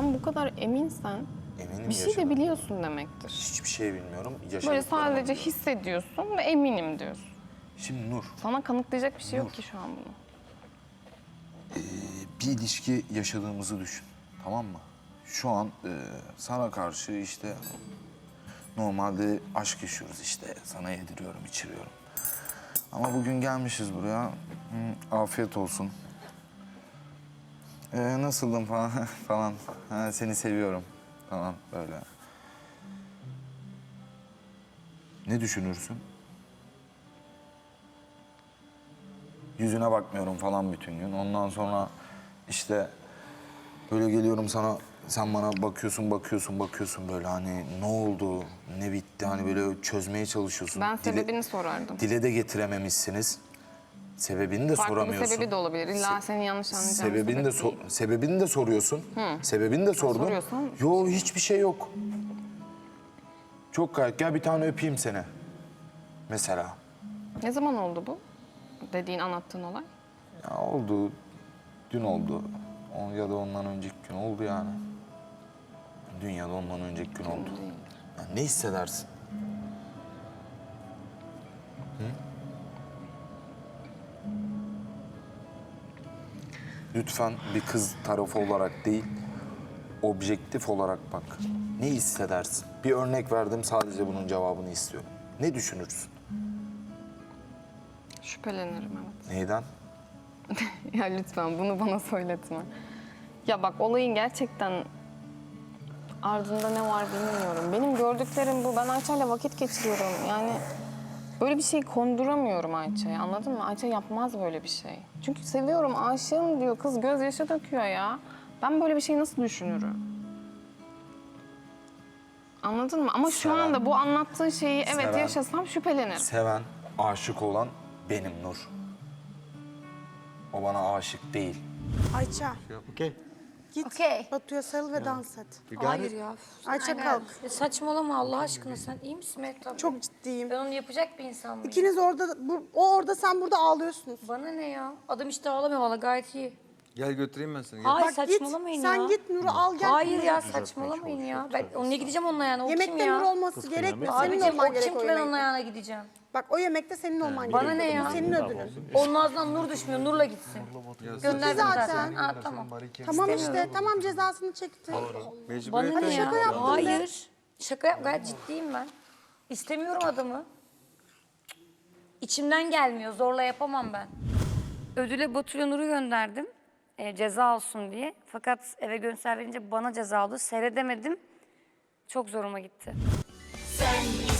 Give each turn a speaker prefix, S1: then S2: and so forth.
S1: sen bu kadar eminsen
S2: Eminim
S1: bir şey de
S2: yaşadım.
S1: biliyorsun demektir.
S2: Hiçbir şey bilmiyorum.
S1: Böyle
S2: Yaşadıklarımı
S1: sadece
S2: biliyorum.
S1: hissediyorsun ve eminim diyorsun.
S2: Şimdi Nur,
S1: Sana kanıtlayacak bir şey yok ki şu an bunu.
S2: bir ilişki yaşadığımızı düşün. Tamam mı? Şu an sana karşı işte normalde aşk yaşıyoruz işte. Sana yediriyorum, içiriyorum. Ama bugün gelmişiz buraya. Afiyet olsun. Nasıldın falan falan. Ha, seni seviyorum falan böyle. Ne düşünürsün? Yüzüne bakmıyorum falan bütün gün. Ondan sonra işte böyle geliyorum sana, sen bana bakıyorsun böyle hani ne oldu, ne bitti hani böyle çözmeye çalışıyorsun.
S1: Ben sebebini sorardım.
S2: Dile de getirememişsiniz. Sebebini de
S1: Farklı bir
S2: soramıyorsun.
S1: sebebi de olabilir. İlla senin yanlış anlayacağın
S2: Sebebini de
S1: sebebi değil.
S2: sebebini de soruyorsun. Sebebini de sordun.
S1: soruyorsan-
S2: Yo hiçbir şey yok. Çok gayet gel bir tane öpeyim seni. Mesela.
S1: Ne zaman oldu bu? Dediğin, anlattığın olay.
S2: Ya oldu. Dün oldu. Ya da ondan önceki gün oldu yani. Dün ya da ondan önceki gün oldu. Ya ne hissedersin? Lütfen bir kız tarafı olarak değil, objektif olarak bak. Ne hissedersin? Bir örnek verdim, sadece bunun cevabını istiyorum. Ne düşünürsün?
S1: Şüphelenirim, evet.
S2: Neyden?
S1: Ya lütfen bunu bana söyletme. Ya bak, olayın gerçekten ardında ne var bilmiyorum. Benim gördüklerim bu. Ben Ayça'yla vakit geçiriyorum. Yani böyle bir şey konduramıyorum Ayça'ya, anladın mı? Ayça yapmaz böyle bir şey. Çünkü seviyorum, aşığım diyor. Kız gözyaşı döküyor ya. Ben böyle bir şey nasıl düşünürüm? Anladın mı? Ama şu
S2: Seven.
S1: anda bu anlattığın şeyi evet
S2: Seven.
S1: yaşasam şüphelenirim.
S2: Seven, aşık olan benim Nur. O bana aşık değil.
S3: Ayça
S4: Okay.
S3: git
S5: Okey.
S3: Batu'ya sarıl ve dans et.
S4: You got
S5: Hayır
S4: it?
S5: ya.
S3: Ayça kalk.
S5: Saçmalama Allah aşkına, sen iyi misin Mehtap?
S3: Çok ciddiyim.
S5: Ben onu yapacak bir insan mıyım?
S3: İkiniz orada, o orada, sen burada ağlıyorsunuz.
S5: Bana ne ya? Adam işte ağlamıyor valla, gayet iyi.
S4: Gel götüreyim ben seni. Gel.
S5: Hayır,
S3: Bak git,
S5: saçmalamayın
S3: sen
S5: ya.
S3: git Nur'u al gel.
S5: Hayır ya, saçmalamayın ya. Ben onunla gideceğim onun ayağına. O kim
S3: Yemekte
S5: ya?
S3: Nur olması gerekmiyor. Senin
S5: Abicim
S3: olman
S5: o
S3: gerek
S5: kim
S3: o
S5: ki ben onun
S3: yemekte.
S5: ayağına gideceğim?
S3: Bak o yemekte senin olman
S5: Bana
S3: gerekiyor.
S5: ne ya?
S3: Bu senin ödülün.
S5: Onun ağzından nur düşmüyor, nurla gitsin. Gönderdim
S3: zaten.
S5: zaten. Ha tamam.
S3: Tamam işte, tamam cezasını çekti.
S5: Bana
S4: Mecburiyetten
S5: ne ya?
S3: şaka yaptın be.
S5: Hayır. Şaka yap, gayet ciddiyim ben. İstemiyorum adamı. İçimden gelmiyor, zorla yapamam ben. Ödüle Batu'ya Nur'u gönderdim. Ceza olsun diye. Fakat eve göster verince bana ceza oldu. Seyredemedim. Çok zoruma gitti.
S6: Sen